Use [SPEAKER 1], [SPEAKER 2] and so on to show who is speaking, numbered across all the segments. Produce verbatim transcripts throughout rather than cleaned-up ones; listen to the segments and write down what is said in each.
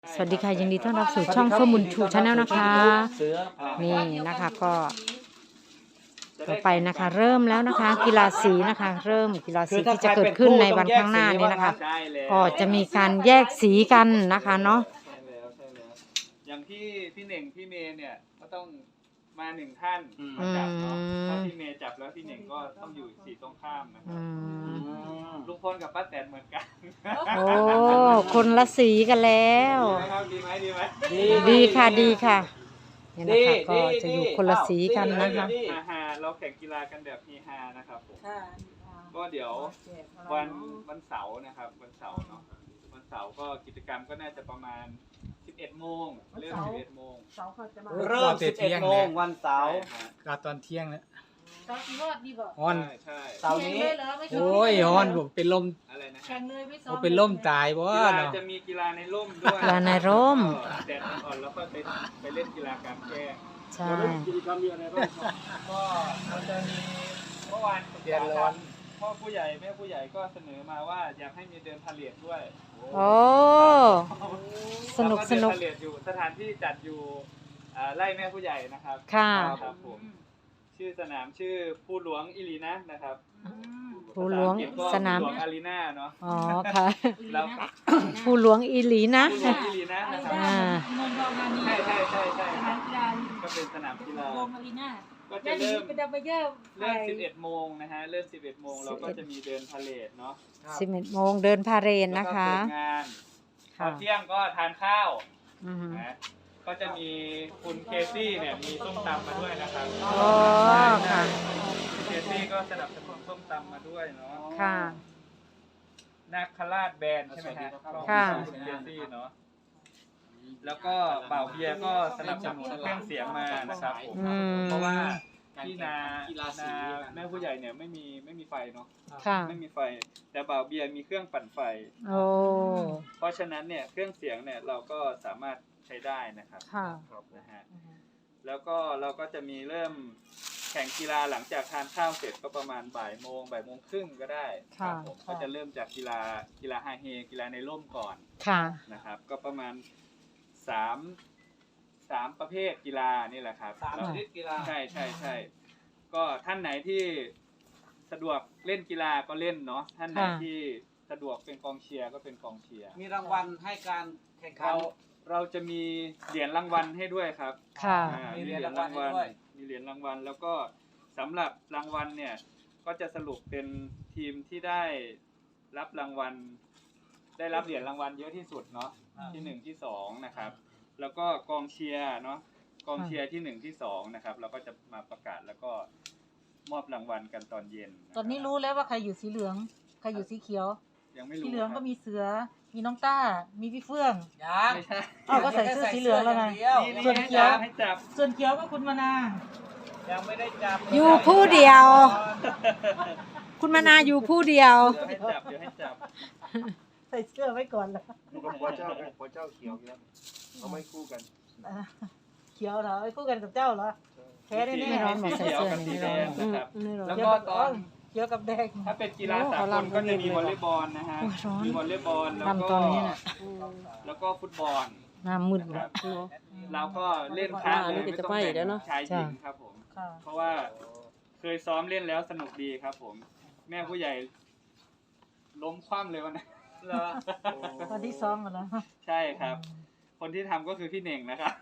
[SPEAKER 1] สวัสดีค่ะยินดีต้อนรับสู่ช่องเฟื่องบุญชูชาแนลนะคะนี่นะคะก็ต่อไปนะคะเริ่มแล้วนะคะกีฬาสีนะคะเริ่มกีฬาสีที่จะเกิดขึ้นในวันข้างหน้านี้นะคะก็จะมีการแยกสีกันนะคะเนาะ
[SPEAKER 2] ใช่แล้วใช่แล้วอย่างที่พี่เน่งพี่เมย์เนี่ยก็ต้องมาหนึ่งท่านมาจับเนาะถ้าพี่เมย์จับแล้วพี่เน่งก็ต้องอยู่สีตรงข้ามนะครับลุงพลกับป้าแตนเหมือนกัน
[SPEAKER 1] โอ้คนละสีกันแล้ว
[SPEAKER 2] ดีไหมดีไหม
[SPEAKER 1] ดีค่ะดีค่ะนี่นะคะก็จะอยู่คนละสีกันนะคะ
[SPEAKER 2] ฮาฮาเราแข่งกีฬากันแบบเฮฮานะครับผมก็เดี๋ยววันวันเสาร์นะครับวันเสาร์เนาะวันเสาร์ก็กิจกรรมก็น่าจะประมาณสิบเอ็ดโมงเริ่มสิบเอ็ดโมง
[SPEAKER 3] เริ่มสิบเอ็ดโมงวันเสาร์
[SPEAKER 4] ก็ตอนเที่ยงแล้ว
[SPEAKER 5] รอดดีบ่
[SPEAKER 4] ฮอน
[SPEAKER 2] ใช่
[SPEAKER 3] เสาร์นี้
[SPEAKER 4] โอ้ยฮอนผมเป็นลม
[SPEAKER 2] อะไรนะ
[SPEAKER 5] แข่งเลยไม่ซ้อ
[SPEAKER 4] ผม มเป็นลมตายบ่
[SPEAKER 2] กีฬา
[SPEAKER 4] เนาะ
[SPEAKER 2] จะมีกีฬาในร่มด้วย
[SPEAKER 1] กีฬาในร่ม
[SPEAKER 2] แดดอ่อนแล้วก็ไปไปเล่นกีฬากลางแจ้ง
[SPEAKER 1] ใช่
[SPEAKER 2] กิจกรรมมีอะไรบ้างก็เราจะมีเมื่อวานเดือนร้อนพ่อผู้ใหญ่แม่ผู้ใหญ่ก็เสนอมาว่าอยากให้มีเดินพาเหรดด้วย
[SPEAKER 1] โอ้สนุกสนุก
[SPEAKER 2] เดินพาเหรดอยู่สถานที่จัดอยู่ไร่แม่ผู้ใหญ่นะครับ
[SPEAKER 1] ค่ะ
[SPEAKER 2] ครับผมชื่อสนามชื่อภูหลวงอิลีนะนะครับ
[SPEAKER 1] ภูหลวงสนาม
[SPEAKER 2] ภูหลวงอารีนาเนาะ
[SPEAKER 1] อ๋อค่ะ
[SPEAKER 2] แล้ว
[SPEAKER 1] ภูหลวงอีหลีนะ
[SPEAKER 2] ภูหลวงอิลีนะนะครับใช่ใช่ใช่ใช่ก็เป็นสนามกีฬาก็จะเริ่มเริ่มสิบเอ็ดโมงนะฮะเริ่มสิบเอ็ดโมงเราก็จะมีเดินพาเหรดเนาะ
[SPEAKER 1] สิบเอ็ดโมงเดินพาเหรดนะคะ
[SPEAKER 2] งานตอนเที่ยงก็ทานข้าวนะก็จะมีคุณเคซี่เนี่ยมีส้มตำมาด้วยนะครับ
[SPEAKER 1] อ๋อค่ะ
[SPEAKER 2] เคซี่ก็สนับสนุนส้มตำมาด้วยเนาะ
[SPEAKER 1] ค่ะ
[SPEAKER 2] นาคราชแบนใช่ไหมฮะ
[SPEAKER 1] ค่ะ
[SPEAKER 2] คุณเคซี่เนาะแล้วก็เป่าเบียร์ก็สนับสนุนเครื่องเสียงมานะครับเพราะว่าที่นานาแม่ผู้ใหญ่เนี่ยไม่มีไม่มีไฟเนาะไม่มีไฟแต่เป่าเบียร์มีเครื่องปั่นไฟ
[SPEAKER 1] โอ้
[SPEAKER 2] เพราะฉะนั้นเนี่ยเครื่องเสียงเนี่ยเราก็สามารถใช้ได้นะครับนะฮะแล้วก็เราก็จะมีเริ่มแข่งกีฬาหลังจากทานข้าวเสร็จก็ประมาณบ่ายโมงบ่ายโมงครึ่งก็ได้ครับผมก็จะเริ่มจากกีฬากีฬาไฮเฮกีฬาในร่มก่อนนะครับก็ประมาณสามสามประเภทกีฬานี่แหละครับ
[SPEAKER 3] สามชนิดกีฬา
[SPEAKER 2] ใช่ใช่ใช่ก็ท่านไหนที่สะดวกเล่นกีฬาก็เล่นเนาะท่านไหนที่สะดวกเป็นกองเชียร์ก็เป็นกองเชียร์
[SPEAKER 3] มีรางวัลให้การแข่งขัน
[SPEAKER 2] เราจะมีเหรียญรางวัลให้ด้วยครับ
[SPEAKER 1] ค่ะ
[SPEAKER 2] มีเหรียญรางวัลมีเหรียญรางวัลแล้วก็สำหรับรางวัลเนี่ยก็จะสรุปเป็นทีมที่ได้รับรางวัลได้รับเหรียญรางวัลเยอะที่สุดเนาะที่หนึ่งที่สองนะครับแล้วก็กองเชียร์เนาะกองเชียร์ที่หนึ่งที่สองนะครับเราก็จะมาประกาศแล้วก็มอบรางวัลกันตอนเย็น
[SPEAKER 5] ตอนนี้รู้แล้วว่าใครอยู่สีเหลืองใครอยู่สีเขียว
[SPEAKER 2] ยังไม่รู้
[SPEAKER 5] สีเหลืองก็มีเสือมีน้องต้ามีพี่เฟื่อง
[SPEAKER 3] ยัง
[SPEAKER 2] ไม่ใช่
[SPEAKER 5] อ้าวก็ใส่เสื้อสีเหลืองแล้วไง
[SPEAKER 2] ส่วนเขียวให้จับ
[SPEAKER 5] ส่วนเขียวก็คุณมานา
[SPEAKER 3] ยังไม่ได้จับ
[SPEAKER 1] อยู่ผู้เดียวคุณมานาอยู่ผู้เดียว
[SPEAKER 2] เดี๋ยวให้จับเดี๋ยวให้จับ
[SPEAKER 5] ใส่เสื้อไว้ก่อนแล้ว
[SPEAKER 2] อยู่กับพ่อเจ้าพ่อเจ้าเขียวแล้วเขาไม่คู่กัน
[SPEAKER 5] เขียวเหรอไอ้คู่กันกับเจ้าเหรอแพ้ได้แน่
[SPEAKER 1] ไม่ร้อนหมดใส่เสื้อ
[SPEAKER 2] นี่ร้อนนะครับแล้วก็ตอน
[SPEAKER 5] เขียวกับแดง
[SPEAKER 2] ถ้าเป็นกีฬาสากลก็จะมีวอลเลย์บอลนะฮะมีวอลเลย์บอลแล้วก็แล้วก็ฟุตบอล
[SPEAKER 1] น้ำมืด
[SPEAKER 2] ครับเราก็เล่นค้าเลยไม่ต้องแบ่งชายหญิงครับผมเพราะว่าเคยซ้อมเล่นแล้วสนุกดีครับผมแม่ผู้ใหญ่ล้มคว่ำเลยวันนั้น
[SPEAKER 5] ตอนที่ซ้อมกันแล้ว
[SPEAKER 2] ใช่ครับคนที่ทำก็คือพี่เน่งนะครับ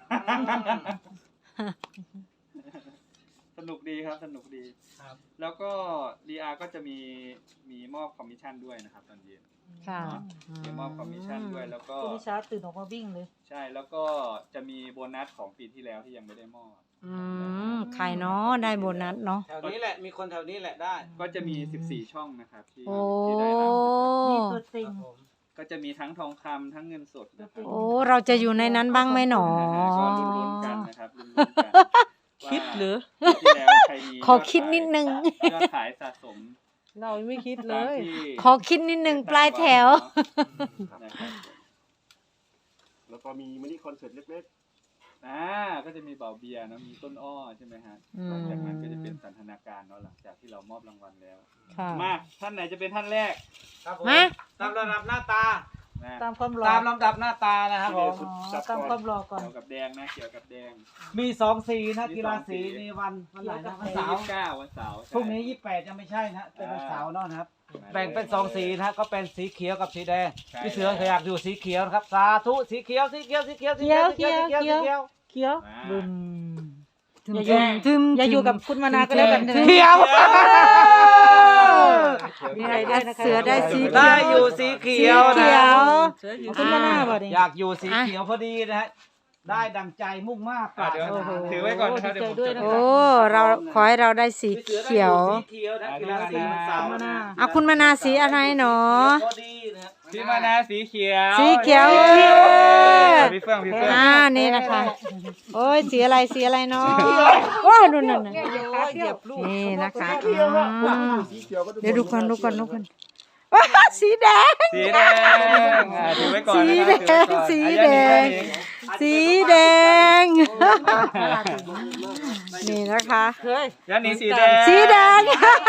[SPEAKER 2] สนุกดีครับสนุกดีครับแล้วก็ดีอาร์ก็จะมีมีมอบคอมมิชชั่นด้วยนะครับตอนเย็น
[SPEAKER 1] ค่ะ
[SPEAKER 2] มีมอบคอมมิชชั่นด้วยแล้วก็
[SPEAKER 5] พี่ชาตื่นออกมาวิ่งเลย
[SPEAKER 2] ใช่แล้วก็จะมีโบนัสของปีที่แล้วที่ยังไม่ได้มอบ
[SPEAKER 1] อืมใครเนาะได้โบนัสเนาะ
[SPEAKER 3] แถวนี้แหละมีคนแถวนี้แหละได้
[SPEAKER 2] ก็จะมีสิบสี่ช่องนะครับที่
[SPEAKER 1] ที่ได้
[SPEAKER 2] รับ
[SPEAKER 5] มีตัวจริง
[SPEAKER 2] ก็จะมีทั้งทองคำทั้งเงินสดนะครับ
[SPEAKER 1] โอ้เราจะอยู่ในนั้นบ้างไหมหนอ
[SPEAKER 2] ก็ลุ้นๆกันนะครับลุ้นๆกัน
[SPEAKER 1] คิดหรือขอ
[SPEAKER 2] ขอ
[SPEAKER 1] คิดนิดนึง
[SPEAKER 2] ยอดขายสะสม
[SPEAKER 5] เราไม่คิดเลย
[SPEAKER 1] ขอคิดนิดนึงปลายแถว
[SPEAKER 6] แล้วก็มีมินิคอนเสิร์ตเล็ก
[SPEAKER 2] ๆอ่าก็จะมีเบาเบียร์นะมีต้นอ้อใช่ไหมฮะหลังจากนั้นก็จะเป็นสันทนาการเนาะหลังจากที่เรามอบรางวัลแล้วมาท่านไหนจะเป็นท่านแรก
[SPEAKER 3] มาตามระดับหน้าตา
[SPEAKER 2] นะ
[SPEAKER 5] ตามความหล่อ
[SPEAKER 3] ตามลำดับหน้าตานะครับผม
[SPEAKER 5] อ๋อตามความหล่อก่อน
[SPEAKER 2] เกี่ยวกับแดงนะเกี่ยวกับแดง
[SPEAKER 3] มีสองสีนะ
[SPEAKER 2] มี
[SPEAKER 3] กีฬา
[SPEAKER 2] สองสี
[SPEAKER 3] สีในวันวันไหนนะวัน
[SPEAKER 2] ที่
[SPEAKER 3] เสา
[SPEAKER 2] ยี่
[SPEAKER 3] ร์
[SPEAKER 2] สิบเก้าวันเสาร์ใช่
[SPEAKER 3] พรุ่งนี้ยี่สิบแปดยังไม่ใช่นะเป็นวันเสาร์เนาะนะครับ
[SPEAKER 2] มา
[SPEAKER 3] แบ่งเป็นสองสีนะฮะก็เป็นสีเขียวกับสีแดง
[SPEAKER 2] ใช่
[SPEAKER 3] พี่เสืออยากอยู่สีเขียวนะครับสาธุสีเขียวสีเขียวสีเขียวสี
[SPEAKER 5] เขียว
[SPEAKER 3] สีเขียวสีเขียว
[SPEAKER 5] เขี
[SPEAKER 3] สี
[SPEAKER 5] ยว
[SPEAKER 3] เขียว
[SPEAKER 5] เขียว
[SPEAKER 2] มา
[SPEAKER 5] บึม
[SPEAKER 1] ทึม
[SPEAKER 5] อย่าอยู่
[SPEAKER 1] ทึม
[SPEAKER 5] อย่าอยู่กับคุณมานาก็แล้วกัน
[SPEAKER 1] เขียว
[SPEAKER 5] มีอะไรด้วยนะคะ
[SPEAKER 1] เสือได้สีเขียว
[SPEAKER 3] ได้อยู่สีเขียว
[SPEAKER 1] สี
[SPEAKER 3] นะ
[SPEAKER 1] เขียว
[SPEAKER 5] เสืออยู่คุณมานาบ่เนี่ย
[SPEAKER 3] อยากอยู่สีเขียวพอดีนะฮะได้ดังใจมุ่งมากปรารถ
[SPEAKER 2] เดี๋ยว
[SPEAKER 3] นา
[SPEAKER 2] ถือไว้ก่อนนะครับเดี๋ยวผมจด
[SPEAKER 1] โอ้เราขอให้เราได้สี
[SPEAKER 3] พี่สือได้
[SPEAKER 1] เขียว
[SPEAKER 3] สีเขียวนะกีฬาสีวันเสาร์
[SPEAKER 5] มานา
[SPEAKER 1] อ่ะคุณมานาสีอะไรหนอ
[SPEAKER 3] พอดีนะฮะ
[SPEAKER 2] พี่มานาสีเขียว
[SPEAKER 1] สีเขียว
[SPEAKER 2] เย้พี่เฟื่องพี่เฟื่อง
[SPEAKER 1] อ่านี่นะคะ โอ้ยสีอะไรสีอะไรเนาะโอ้ดูนั่นน่ะนี่นะคะอืม
[SPEAKER 6] สีเขียวก็
[SPEAKER 1] เดี๋ยวดูก่อนดูก่อนดูก่อนว้าสีแดง
[SPEAKER 2] สีแดงอ่าถือไว้ก่อน
[SPEAKER 1] สี
[SPEAKER 2] นะ
[SPEAKER 1] แด
[SPEAKER 2] ครับ
[SPEAKER 1] ง
[SPEAKER 2] ถื
[SPEAKER 1] สี
[SPEAKER 2] อไว้
[SPEAKER 1] แด
[SPEAKER 2] ก่อน
[SPEAKER 1] ง
[SPEAKER 2] อ่ะ
[SPEAKER 1] สีแดง นี่นะคะ
[SPEAKER 2] ยันนี้สีแดง
[SPEAKER 1] สีแดง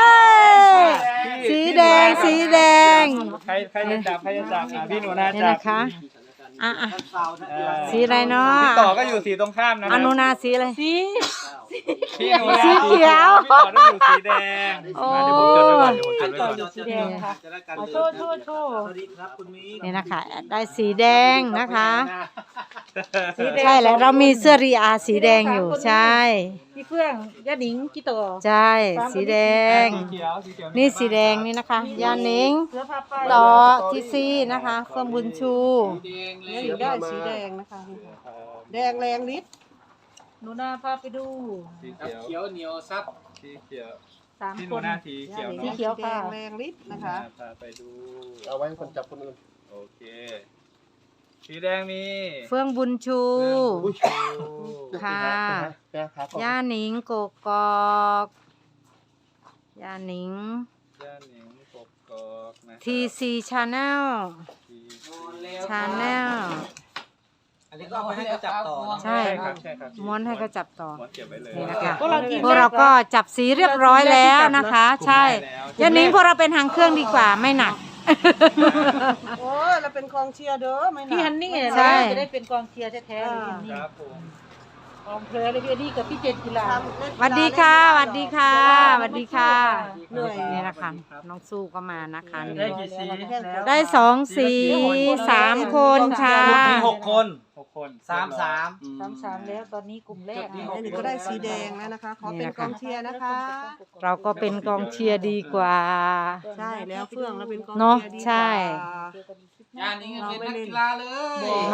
[SPEAKER 1] สีแดง สีแดง
[SPEAKER 2] ใครใครจะจับใครจะจับอ่ะพี่หนูนา
[SPEAKER 1] นี่
[SPEAKER 2] จับ
[SPEAKER 1] นะคะอ่ะอ่ะ
[SPEAKER 3] วันเสาร์นะ
[SPEAKER 2] เอ
[SPEAKER 3] กี
[SPEAKER 2] อ
[SPEAKER 3] ฬา
[SPEAKER 1] สีอะไรเนาะ
[SPEAKER 2] พี่ต่อก็อยู่สีตรงข้ามนะค
[SPEAKER 1] อ
[SPEAKER 2] รับ
[SPEAKER 1] นุนาสีอะไร
[SPEAKER 5] สี
[SPEAKER 2] พี่หนูนา
[SPEAKER 1] สีเขียว
[SPEAKER 2] พี่ต่อต้องอยู่สีแดง
[SPEAKER 1] โอ้
[SPEAKER 2] มาเดี๋ยวผมจดไว้ก่อนเดี๋ยวผมจดไว้ก่อน
[SPEAKER 5] สีแดงค่ะ
[SPEAKER 3] จะได้กัน
[SPEAKER 5] เอาโชว์โชว์โชว์
[SPEAKER 3] สวัสดีครับคุณมี
[SPEAKER 1] นี่นะคะ ได้สีแดงนะคะ
[SPEAKER 5] สีแดง
[SPEAKER 1] ใช่แล้วเรามีเสื้อรีอาสีแดงอยู่ใช่
[SPEAKER 5] พี่เฟื่องย่าหนิงกี่ต่อ
[SPEAKER 1] ใช่ สีแดง
[SPEAKER 2] สีเขียวสีเขียว
[SPEAKER 1] นี่สีแดงนี่นะคะ ยานิง
[SPEAKER 5] เสือพาไป
[SPEAKER 1] ต่อทีซีนะคะเฟิร์มบุญชู
[SPEAKER 5] เนี่ยอยู่ได้สีแดงนะคะ แดงแรงฤทธิ์หนูนาพาไปดู
[SPEAKER 2] สีเขียว
[SPEAKER 3] เขียวเหนียวซับ
[SPEAKER 2] สีเขียว
[SPEAKER 5] สาม
[SPEAKER 2] พี่ห
[SPEAKER 5] ค
[SPEAKER 2] นู
[SPEAKER 5] น
[SPEAKER 2] นาสีเขียว
[SPEAKER 5] สี
[SPEAKER 2] เนาะ
[SPEAKER 5] เขียวค่ะ
[SPEAKER 7] แรงฤทธิ์นะคะ
[SPEAKER 2] พาไปดู
[SPEAKER 6] เอาไว้คนจับคนอื่น
[SPEAKER 2] โอเค สีแดงมี
[SPEAKER 1] เฟื่องบุญชู
[SPEAKER 6] อุ้ย
[SPEAKER 1] ค่ะ
[SPEAKER 6] แก้ขาก่อน
[SPEAKER 1] ย่าหนิงกกอกย่าหนิง
[SPEAKER 2] ย่าหนิงกบกอกนะ
[SPEAKER 1] ทีซีชาแนล ชาแนล
[SPEAKER 3] อันนี้ก็เอาไปให้เขาจับต่อนะ
[SPEAKER 1] ใช่
[SPEAKER 2] ใช่ครับใช่ครับ
[SPEAKER 1] ม้วนให้เขาจับต่อ
[SPEAKER 2] ม้วนเก็บไว้เลย
[SPEAKER 1] นี่นะคะ
[SPEAKER 5] พวกเรากิน
[SPEAKER 1] พวกเราก็จับสีเรียบร้อยแล้วนะคะ ใช่
[SPEAKER 2] ได้แล้ว
[SPEAKER 1] ย่าหนิงพวกเราเป็นหางเครื่องดีกว่าไม่หนัก
[SPEAKER 7] โอ้ยเราเป็นกองเชียร์เด้อไม่
[SPEAKER 5] พี่
[SPEAKER 7] ห
[SPEAKER 5] ฮั
[SPEAKER 7] นัก
[SPEAKER 5] นนี่
[SPEAKER 1] ใช่
[SPEAKER 5] จะได้เป็นกองเชียร์แท้ๆเลยพี่ฮันนี่
[SPEAKER 2] ครับผม
[SPEAKER 5] กองเพลเลยพี่ฮันนี่กับพี่เจนกีฬา
[SPEAKER 7] ทำเล่น
[SPEAKER 1] สวัสดีค่ะสวัสดีค่ะสวัสดีค่ะ
[SPEAKER 7] เหนื่อย
[SPEAKER 1] นี่นะคะ น้องสู้ก็มานะคะ
[SPEAKER 2] ได้
[SPEAKER 1] นี่
[SPEAKER 2] กี่สี
[SPEAKER 1] ได้สองสีสามคนค่ะ
[SPEAKER 3] มีหกคน
[SPEAKER 2] หกคน
[SPEAKER 3] สามสาม
[SPEAKER 5] สามสามแล้วตอนนี้กลุ่มแรก
[SPEAKER 3] จุดที่
[SPEAKER 7] แม่หนิงก็ได้สีแดงแล้วนะคะ ขอเป็นกองเชียร์นะคะ
[SPEAKER 1] เราก็เป็นกองเชียร์ดีกว่า
[SPEAKER 7] ใช่แล้วเฟื่องเราเป็นกอง
[SPEAKER 1] เนอะ
[SPEAKER 7] เชียร์ดีกว่า
[SPEAKER 1] ใช่
[SPEAKER 3] งานนี้เป็นนักกีฬาเลย
[SPEAKER 1] ไม่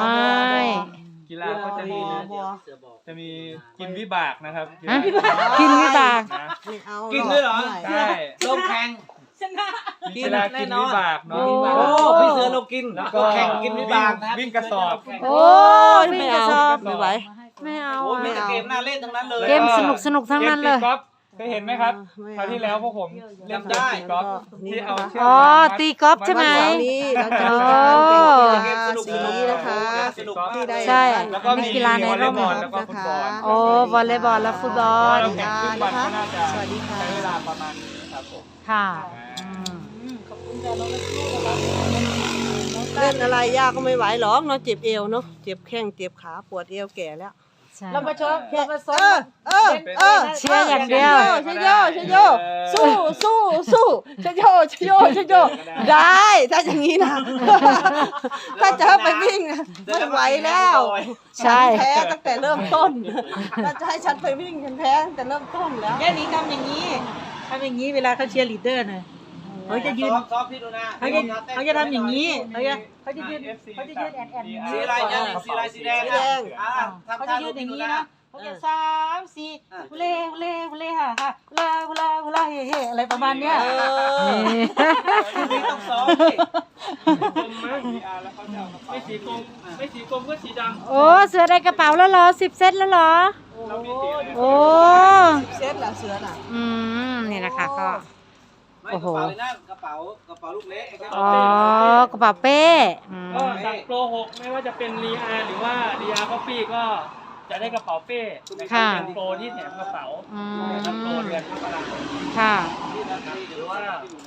[SPEAKER 2] กีฬาก็จะมี
[SPEAKER 7] บัว
[SPEAKER 2] จะมีกินวิบากนะครับ
[SPEAKER 1] ฮะกินวิบาก
[SPEAKER 2] นะ
[SPEAKER 7] ไม่เอา
[SPEAKER 3] กิ
[SPEAKER 7] กิ
[SPEAKER 3] นด้วยเหรอ
[SPEAKER 2] ใช่
[SPEAKER 3] ลงแข่ง
[SPEAKER 2] มีกีฬากินวิบากเนาะ
[SPEAKER 1] โอ้
[SPEAKER 3] โอ้พี่เสือลงกิน
[SPEAKER 2] แล้วก็
[SPEAKER 3] แข่งกินวิบากนะ
[SPEAKER 2] วิ่งกระสอบ
[SPEAKER 1] โอ้ยวิ่งกระสอบ
[SPEAKER 2] ไม่ไหว
[SPEAKER 1] ไม่เอา
[SPEAKER 3] โอ้มี
[SPEAKER 1] อะ
[SPEAKER 3] แต่เกมน่าเล่นทั้งนั้นเลย
[SPEAKER 1] เกมสนุกสนุกทั้งนั้นเลย
[SPEAKER 2] กมตีกอล์ฟเคยเห็นไหมครับคราวที่แล้วพวกผมเล่นเกมตีกอล์ฟที่เอาเชือก
[SPEAKER 1] อ๋อ
[SPEAKER 2] มามัด
[SPEAKER 1] ตีกอล์ฟใช่ไหม
[SPEAKER 7] วันนี้เราจะมี
[SPEAKER 1] โอ้
[SPEAKER 7] การแข่งกีฬาสีนะคะที่ได้
[SPEAKER 1] ใช่
[SPEAKER 2] แล้วก็มี
[SPEAKER 1] กีฬาในร่ม
[SPEAKER 2] วอลเลย์บอลแล้วก็ฟุตบอล
[SPEAKER 1] โอ้วอลเลย์บอลและฟุตบอล
[SPEAKER 2] เราแข่งทุกวันก็น่าจะ
[SPEAKER 7] สวัสดีค่ะ
[SPEAKER 2] ใช้เวลาประมาณนี้ครับผม
[SPEAKER 1] ค่ะอืม
[SPEAKER 5] ขอบคุณค่ะน้องนักสู้นะครับ
[SPEAKER 7] เล่นอะไรยากก็ไม่ไหวหรอกเนาะเจ็บเอวเนาะเจ็บแข้งเจ็บขาปวดเอวแก่แล้ว
[SPEAKER 1] ใช่
[SPEAKER 5] เรามาชมเรามาซ้
[SPEAKER 7] เอ
[SPEAKER 5] อ
[SPEAKER 7] อ
[SPEAKER 5] ม
[SPEAKER 7] เออเออ
[SPEAKER 1] เชียร์อย่างเดียว
[SPEAKER 7] ชโยชโยสู้สู้สู้ชโยชโยชโยได้ถ้าอย่างนี้นะถ้าจะให้ไปวิ่งนะไม่ไหวแล้ว
[SPEAKER 1] ใช่
[SPEAKER 7] ฉันแพ้ตั้งแต่เริ่มต้นถ้าจะให้ฉันไปวิ่งฉันแพ้ตั้งแต่เริ่มต้นแล้ว
[SPEAKER 5] ย่าหนิงทำอย่างนี้ทำอย่างนี้เวลาเขาเชียร์ลีดเดอร์น่ะเขาจะยืน
[SPEAKER 3] ซ้อมซ้อมพี่ดูนะ
[SPEAKER 5] เขาจะเขาจะทำอย่างนี้เขาจะเขาจะยืนเขาจะยืนแอนแอน
[SPEAKER 3] สีอะไรเนี่ยสีอะไรสีแดง
[SPEAKER 7] สี
[SPEAKER 3] นะ
[SPEAKER 7] แดง
[SPEAKER 3] อ่า
[SPEAKER 5] เขา
[SPEAKER 3] ทำ
[SPEAKER 5] จะ
[SPEAKER 3] ท่า
[SPEAKER 5] ยื
[SPEAKER 3] ดู
[SPEAKER 5] นอ
[SPEAKER 3] พี่
[SPEAKER 5] ย่าง
[SPEAKER 3] ดู
[SPEAKER 5] นี้
[SPEAKER 3] นะ
[SPEAKER 5] นะเขาจะสามสี่เล่เล่เล่ฮ่าฮ่าลาลาลาเฮ่เฮ่อะไรประมาณเนี้ย
[SPEAKER 7] เออ
[SPEAKER 3] นี่ต้องซ้อมสิ
[SPEAKER 2] กลมไหมมีอาร์แล้วเขาจะเอาไม่สีกลมไม่สีกลมก็สีดำ
[SPEAKER 1] โอ้เสือได้กระเป๋าแล้วเหรอสิบเซตแล้วเหรอ
[SPEAKER 2] เรามีสีอะไร
[SPEAKER 1] โอ้
[SPEAKER 7] เซตละเสือน่ะ
[SPEAKER 1] อืมนี่นะคะก็
[SPEAKER 3] ไม่
[SPEAKER 1] โอ้
[SPEAKER 3] ก
[SPEAKER 1] โห
[SPEAKER 3] ระเป๋าเลยนะกระเป๋ากระเป๋าลูกเล็กไอ้กระ
[SPEAKER 1] อ๋
[SPEAKER 3] เป๋า
[SPEAKER 1] อกระเป๋าเป้อืม
[SPEAKER 8] ก็สั่งโปรหกไม่ว่าจะเป็นรีอาหรือว่ารีอาคอฟฟี่ก็จะได้กระเป๋าเป้นะครับเป็นโปรที่แถมกระเป๋า
[SPEAKER 1] อื
[SPEAKER 8] นะครับโปร
[SPEAKER 1] ม
[SPEAKER 8] เดือนมกราคม
[SPEAKER 1] ค่ะ
[SPEAKER 8] หรือว่า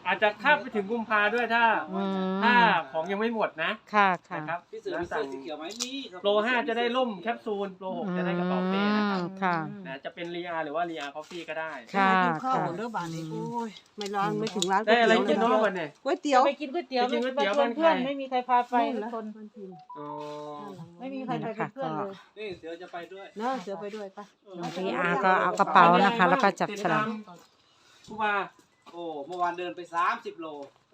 [SPEAKER 8] อาจจะข้ามไปถึงกุมภาด้วยถ้า
[SPEAKER 1] อืม
[SPEAKER 8] ถ้าของยังไม่หมดนะ
[SPEAKER 1] ค่ะค่ะ
[SPEAKER 8] นะครับ
[SPEAKER 3] พี่เสือมีเสื้อสีเขียวไหมมีครับ
[SPEAKER 8] โปรห้าจะได้ร่มแคปซูลโปรหกจะได้กระเป๋าเป้นะครับ
[SPEAKER 1] อืมค่ะ
[SPEAKER 8] นะจะเป็นรีอาหรือว่ารีอาคอฟฟี่ก็ได้
[SPEAKER 1] ค่ะ
[SPEAKER 7] กินข้าว
[SPEAKER 1] ค่ะ
[SPEAKER 7] หมดเรื่องบ้านนี้โอ้ยไม่ร้านไม่ถึงร้าน
[SPEAKER 8] ได้อะไร
[SPEAKER 7] ก๋วย
[SPEAKER 8] กิน
[SPEAKER 7] เตี๋ยว
[SPEAKER 8] เนาะวันเนี่ย
[SPEAKER 7] ก๋วยเตี๋ยว
[SPEAKER 5] ไปกินก๋วยเตี๋ยว
[SPEAKER 8] ไปกินก๋วยเตี๋ยว
[SPEAKER 5] มาชวนเพื่อน
[SPEAKER 8] บ้านใคร
[SPEAKER 5] ไม่มีใครพาไปทุกคน
[SPEAKER 8] อ๋อ
[SPEAKER 5] ไม่มีใครไปเป็นเพื่อนเลย
[SPEAKER 3] นี่เสือจะไปด้วย
[SPEAKER 7] เนาะเสือไปด้วยปะ
[SPEAKER 1] พี่อาก็เอากระเป๋านะคะ แล้วก็จับฉลาก
[SPEAKER 8] ครูบา
[SPEAKER 3] โอ้เมื่อวานเดินไปสามสิบโล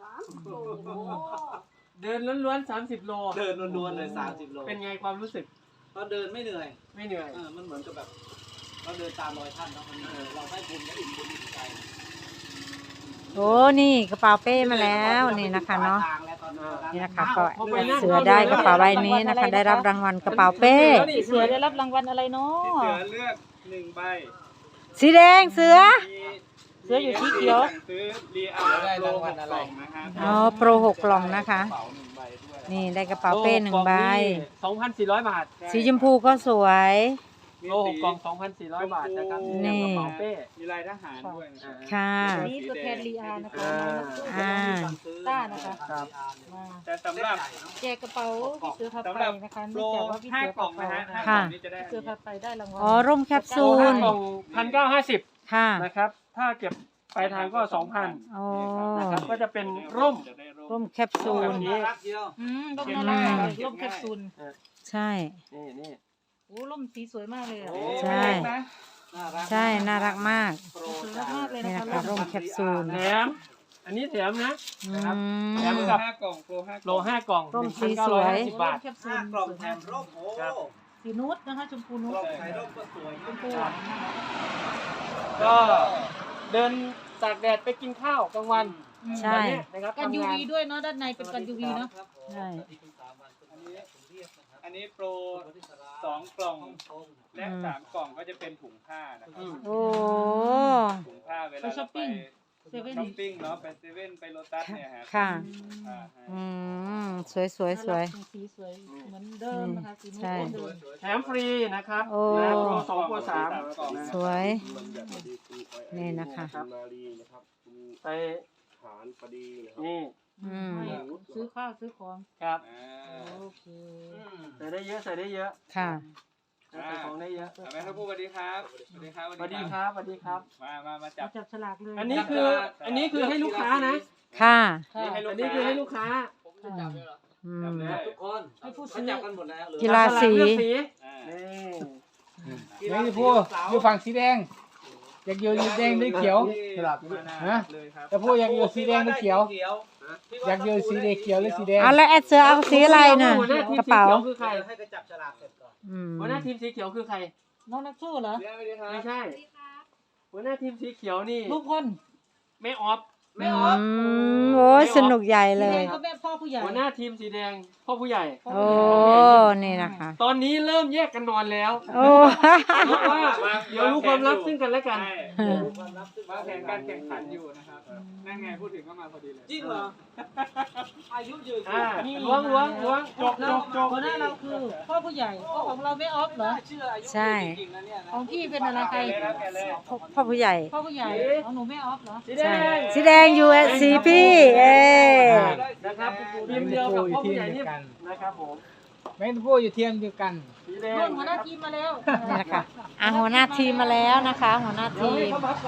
[SPEAKER 8] เดินล้วนๆสามสิบโล
[SPEAKER 3] เดินล้วนๆเลยสามสิบโล
[SPEAKER 8] เป็นไงความรู้สึก
[SPEAKER 3] ตอนเดินไม่เหนื่อย
[SPEAKER 8] ไม่เหนื่อย
[SPEAKER 3] เออมันเหมือนกับแบบเราเดินตามรอยท่านเนาะมันเออเราได้บุญและอิ่มบุญอิ่มใจ
[SPEAKER 1] โอ้นี่กระเป๋าเป้มาแล้วนี่นะคะเนาะ
[SPEAKER 3] ทางแล้วตอนนั้น
[SPEAKER 1] นี่นะคะก็เสือได้กระเป๋าใบนี้นะคะ ได้รับรางวัลกระเป๋าเป้
[SPEAKER 5] เสือได้รับรางวัลอะไรเนาะ
[SPEAKER 2] พี่เสือเลือกหนึ่งใบ
[SPEAKER 1] สีแดงเสือ
[SPEAKER 2] มี
[SPEAKER 5] เสืออยู่สีเขียว
[SPEAKER 2] สั่งซื้อรีอาร์
[SPEAKER 4] ได้
[SPEAKER 2] โปร
[SPEAKER 4] ราง
[SPEAKER 2] ห
[SPEAKER 4] วัล
[SPEAKER 2] ก
[SPEAKER 4] อะ
[SPEAKER 2] ก
[SPEAKER 4] ไร
[SPEAKER 2] ล่องนะครับ
[SPEAKER 1] อ๋อโปรหกกล่องนะคะ
[SPEAKER 2] กระเป๋าหนึ่งใบด้วย
[SPEAKER 1] นี่ได้กระเป๋าเป้หนึ่งใบ
[SPEAKER 8] สองพันสี่ร้อยบาท
[SPEAKER 1] สีชมพูก็สวย
[SPEAKER 8] โลหกกล่องสองพันสี่ร้อยบาทนะครับ
[SPEAKER 1] นี่
[SPEAKER 8] กระเป๋าเป้
[SPEAKER 2] มีลายทหารด้วยนะ
[SPEAKER 8] อ่า
[SPEAKER 1] ค่ะ
[SPEAKER 5] นี่ตัวแทนลีอานะคะ
[SPEAKER 1] อ่า
[SPEAKER 5] ต้านะคะ
[SPEAKER 8] ครับ
[SPEAKER 5] มา
[SPEAKER 2] แต่สำหรับ
[SPEAKER 5] แจกกระเป๋าพี่เสือพา
[SPEAKER 2] สำ
[SPEAKER 5] ไป
[SPEAKER 2] หรับ
[SPEAKER 5] นะคะ
[SPEAKER 2] โปร
[SPEAKER 5] เนื่องจากว่าพี่
[SPEAKER 2] ห้า
[SPEAKER 5] เสือก
[SPEAKER 2] ล่
[SPEAKER 5] พา
[SPEAKER 2] อง
[SPEAKER 5] ไป
[SPEAKER 2] นะฮะ
[SPEAKER 5] นะ
[SPEAKER 2] ห้า
[SPEAKER 5] คะ
[SPEAKER 2] กล่องนี้จะได้
[SPEAKER 5] พี่เสือพาไปได้รางวัล
[SPEAKER 1] อ๋อร่มแคปซู
[SPEAKER 8] โลห้า
[SPEAKER 1] ล
[SPEAKER 8] กล่องพันเก้าห้าสิบ
[SPEAKER 1] ค่ะ
[SPEAKER 8] นะครับ ถ้าเก็บปลายทางก็สองพัน
[SPEAKER 1] อ๋อ
[SPEAKER 8] นะครับ ก็จะเป็นร่ม
[SPEAKER 2] จะได้ร่
[SPEAKER 1] ร่
[SPEAKER 2] ม
[SPEAKER 1] มแคปซูล
[SPEAKER 3] น่ารักเดียว
[SPEAKER 5] อืมร่มน่ารักเลยร่มแคปซูล
[SPEAKER 1] ใช่
[SPEAKER 8] นี่นี่
[SPEAKER 5] โอ้ร่มสีสวยมากเลยอ่ะ
[SPEAKER 2] โอ้
[SPEAKER 1] ใช่
[SPEAKER 2] นะ
[SPEAKER 3] น่ารัก
[SPEAKER 1] ใช่ น่ารักมาก
[SPEAKER 3] โปร
[SPEAKER 5] สวยมากเลย
[SPEAKER 1] นี่
[SPEAKER 5] นะ
[SPEAKER 1] นะคะ คะร่มแคปซูล
[SPEAKER 8] แถม อันนี้แถมนะ
[SPEAKER 1] อื
[SPEAKER 8] แถม
[SPEAKER 1] ม
[SPEAKER 8] กับ
[SPEAKER 2] ห้ากล่องโปรห้า
[SPEAKER 8] โลห้ากล่อง
[SPEAKER 1] ร่มสี
[SPEAKER 8] หนึ่งพัน
[SPEAKER 1] สวย
[SPEAKER 8] เก้าร้อห้าสิบบาท
[SPEAKER 5] แคปซู
[SPEAKER 3] ห้า
[SPEAKER 5] ล
[SPEAKER 3] กล่องแถมร่มโอ้
[SPEAKER 8] ครับ
[SPEAKER 5] สีนูดนะคะชมพูนู
[SPEAKER 3] ก
[SPEAKER 5] ด
[SPEAKER 3] ล่องใส่ร่มก็สวย
[SPEAKER 5] ชมพู
[SPEAKER 3] มาก
[SPEAKER 8] ก็เดินตากแดดไปกินข้าวกลางวัน
[SPEAKER 1] ใช่
[SPEAKER 8] แบบนี้นะครับ
[SPEAKER 5] กัน
[SPEAKER 8] ทำ
[SPEAKER 5] ยู
[SPEAKER 8] งาน
[SPEAKER 5] วีด้วยเนาะด้านในเป็นกันยูวีเนาะ
[SPEAKER 1] ใช่
[SPEAKER 2] อันนี้อันนี้โปรสองกล่องและสามกล่องก็จะเป็นถุงผ้านะครับ
[SPEAKER 8] อืม
[SPEAKER 1] โอ้
[SPEAKER 2] ถุงผ้าเวลาเราไป
[SPEAKER 5] เซเว่น
[SPEAKER 2] ช้อปปิ้งเนาะไปเซเว่นไปโลตัสเนี่ยฮะ
[SPEAKER 1] ค่ะ
[SPEAKER 2] ผ้าให้
[SPEAKER 1] อืม สวยสวยสวย
[SPEAKER 5] สีสวยเหมือนเดิมนะคะสีนูด
[SPEAKER 1] ใช่
[SPEAKER 5] เหมือนเดิม
[SPEAKER 8] แถมฟรีนะครับ
[SPEAKER 1] โอ้
[SPEAKER 8] นะโปรสองโปรสาม
[SPEAKER 1] สวย นี่นะคะ
[SPEAKER 8] ครับ
[SPEAKER 6] นาลีนะครับคุณ
[SPEAKER 8] ไป
[SPEAKER 6] ฐานพอดีนะครับ
[SPEAKER 8] นี่
[SPEAKER 1] อืม
[SPEAKER 5] ให้ซื้อข้าวซื้อของ
[SPEAKER 8] ครับ
[SPEAKER 2] อ่า
[SPEAKER 5] โอเค
[SPEAKER 8] ใส่ได้เยอะใส่ได้เยอะ
[SPEAKER 1] ค่ะ
[SPEAKER 8] ใส่ของได้เยอะ
[SPEAKER 2] เอาไหมครับผู้สวัสดีครับสวัสดีครับ
[SPEAKER 8] สวัสดีครับสวัสดีครับ
[SPEAKER 2] มามามาจับ
[SPEAKER 5] จับฉลากเลย
[SPEAKER 8] อันนี้คืออันนี้คือให้ลูกค้านะ
[SPEAKER 1] ค่ะ
[SPEAKER 2] นี่ให้ลู
[SPEAKER 8] อั
[SPEAKER 2] ก
[SPEAKER 8] นนี้คือให้ลูกค้า
[SPEAKER 1] อืม
[SPEAKER 3] ทุกคน
[SPEAKER 5] ให้ผู้
[SPEAKER 3] เขา
[SPEAKER 5] ซื้อ
[SPEAKER 3] จับกันหมดแล้วเหลือ
[SPEAKER 1] กีฬาสี
[SPEAKER 8] เลือกสี
[SPEAKER 2] อ่า
[SPEAKER 8] นี่
[SPEAKER 4] เดี๋ยวจะพูดอยู่ฝั่งสีแดง อยากอยู่สีแดงหรือเขียว
[SPEAKER 2] สลับฮะเลยครับ
[SPEAKER 4] จะพูดอยากอยู่สีแดงหรือเขียว อยากอยู่สีแดงเขียวหรือสีแดง
[SPEAKER 1] เอาแล้วแอดเสือเอาสีอะไรน่ะ
[SPEAKER 8] หัวหน้าทีม
[SPEAKER 1] กระ
[SPEAKER 8] สี
[SPEAKER 1] เป๋า
[SPEAKER 8] เขียวคือใคร
[SPEAKER 3] ให้ก็จับฉลากเสร็จก่อน
[SPEAKER 1] อืม
[SPEAKER 8] หัวหน้าทีมสีเขียวคือใคร
[SPEAKER 5] น้องนักสู้เหรอ
[SPEAKER 2] เดี๋ยวสวัสดีครับ
[SPEAKER 8] ไม่ใช่หัวหน้าทีมสีเขียวนี่
[SPEAKER 5] ลูกคน
[SPEAKER 8] แม่ออฟ
[SPEAKER 5] ไม่ออก
[SPEAKER 1] อืมโอ้ยสนุกใหญ่
[SPEAKER 5] สี
[SPEAKER 1] เล
[SPEAKER 5] แด
[SPEAKER 1] ย
[SPEAKER 5] งก็แม่พ่อผู้ใหญ่
[SPEAKER 8] หัวหน้าทีมสีแดงพ่อผู้ใหญ่
[SPEAKER 1] โอ้ นี่นะคะ
[SPEAKER 8] ตอนนี้เริ่มแยกกันนอนแล้ว
[SPEAKER 1] โอ้
[SPEAKER 8] เพราะว่าเดี๋ยวรู้ความลับซึ่งกันและกัน
[SPEAKER 2] ใช่วางแผนการแข่งขันอยู่นะครับนั่นไงพูดถึงก็มาพอดีเลย
[SPEAKER 3] จริงเหรออายุยืน
[SPEAKER 8] อ่าล้วงล้วงล้วงจกจกจก
[SPEAKER 5] หัวหน้าเราคือพ่อผู้ใหญ่พ่อของเราไม่ออฟเหรอ
[SPEAKER 3] เชื่ออายุ
[SPEAKER 1] ใช่
[SPEAKER 3] จริงๆนะเนี่ยนะ
[SPEAKER 5] ของพี่เป็นอะไรใคร
[SPEAKER 2] เลยนะแกเลย
[SPEAKER 1] พ่อพ่อผู้ใหญ่
[SPEAKER 5] พ่อผู้ใหญ่ของหนูไม่ออฟเหรอ
[SPEAKER 8] สีแด
[SPEAKER 1] ใช่
[SPEAKER 8] ง
[SPEAKER 1] สีแดงอยู่สีพี่ เอ
[SPEAKER 8] นะครับทีมเดียวกับพ่อผู้ใหญ่นี่นะครับผม
[SPEAKER 4] แม่งพูดอยู่เทียมเดียวกัน
[SPEAKER 8] สีแด
[SPEAKER 5] รุ่
[SPEAKER 8] ง
[SPEAKER 5] นหัวหน้าทีมมาแล้ว
[SPEAKER 1] นี่นะคะอ่ะหัวหน้าทีมมาแล้วนะคะ หัวหน้า
[SPEAKER 8] เดี๋ยว
[SPEAKER 1] ที
[SPEAKER 8] ให้
[SPEAKER 1] ม
[SPEAKER 8] เขาบัฟกัน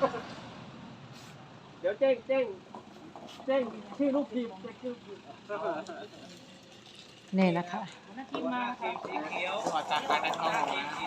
[SPEAKER 8] เดี๋ยวแจ้งแจ้งแจ้งชื่อลูกทีมแจ้งชื่อลูกทีม
[SPEAKER 1] นี่นะคะ
[SPEAKER 5] หัวหน้าทีมมา
[SPEAKER 3] ทีมสีเขียว
[SPEAKER 4] ขอจากการในท้อง
[SPEAKER 3] ทีมสี